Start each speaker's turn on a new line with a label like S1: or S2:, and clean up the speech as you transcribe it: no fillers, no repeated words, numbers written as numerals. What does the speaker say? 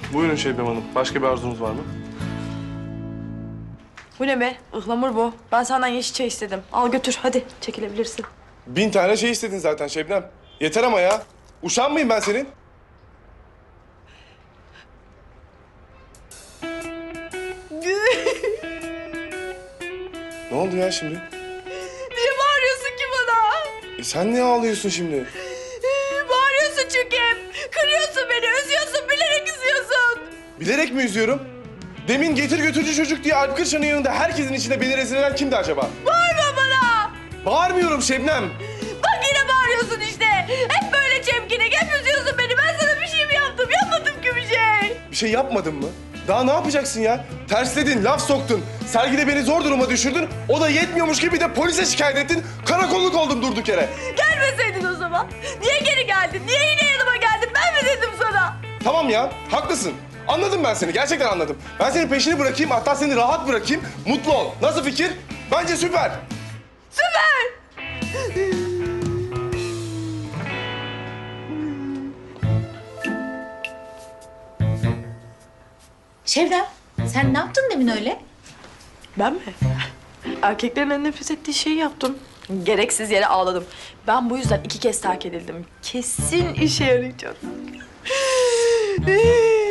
S1: Buyurun Şebnem Hanım. Başka bir arzunuz var mı?
S2: Bu ne be? Ihlamur bu. Ben senden yeşil çay istedim. Al götür hadi çekilebilirsin.
S1: 1000 tane şey istedin zaten Şebnem. Yeter ama ya. Uşağın mıyım ben senin? Ne oldu ya şimdi?
S2: Niye bağırıyorsun ki bana?
S1: Sen niye ağlıyorsun şimdi?
S2: Bağırıyorsun çünkü hep. Kırıyorsun beni, üzüyorsun, bilerek üzüyorsun.
S1: Bilerek mi üzüyorum? Demin getir götürücü çocuk diye Alp Kırşan'ın yanında herkesin içinde beni rezil eden kimdi acaba?
S2: Bağırma bana.
S1: Bağırmıyorum Şebnem.
S2: Bak yine bağırıyorsun işte. Hep böyle çemkinik, hep üzüyorsun beni. Ben sana bir şey mi yaptım? Yapmadım ki bir şey.
S1: Bir şey yapmadın mı? Daha ne yapacaksın ya? Tersledin, laf soktun. Sergide beni zor duruma düşürdün. O da yetmiyormuş gibi bir de polise şikayet ettin. Karakolluk oldum durduk yere.
S2: Gelmeseydin o zaman. Niye geri geldin? Niye yine yanıma geldin? Ben mi dedim sana?
S1: Tamam ya, haklısın. Anladım ben seni, gerçekten anladım. Ben senin peşini bırakayım, hatta seni rahat bırakayım. Mutlu ol. Nasıl fikir? Bence süper.
S2: Süper.
S3: Şevdem, sen ne yaptın demin öyle?
S2: Ben mi? Erkeklerin en nefret ettiği şeyi yaptım. Gereksiz yere ağladım. Ben bu yüzden 2 kez terk edildim. Kesin işe yarayacak.